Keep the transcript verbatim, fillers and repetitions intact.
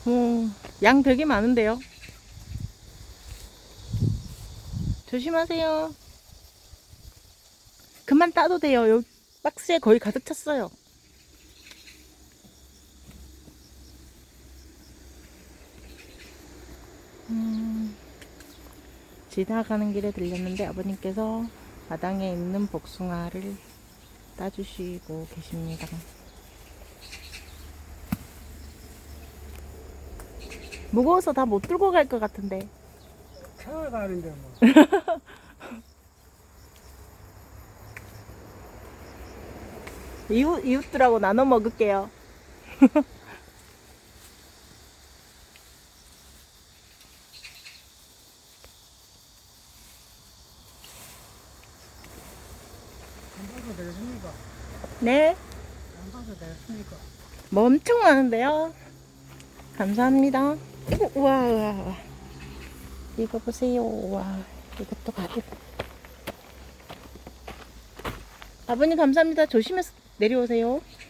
어, 양 되게 많은데요. 조심하세요. 그만 따도 돼요. 여기 박스에 거의 가득 찼어요. 음, 지나가는 길에 들렸는데 아버님께서 마당에 있는 복숭아를 따주시고 계십니다. 무거워서 다 못 들고 갈 것 같은데. 차가 가는데 뭐. 이웃, 이웃들하고 나눠 먹을게요. 안 봐도 되겠습니까? 네. 안 봐도 되겠습니까? 뭐 엄청 많은데요. 감사합니다. 우와, 우와, 우와. 이거 보세요. 우와, 이것도 가득. 아버님 감사합니다. 조심해서 내려오세요.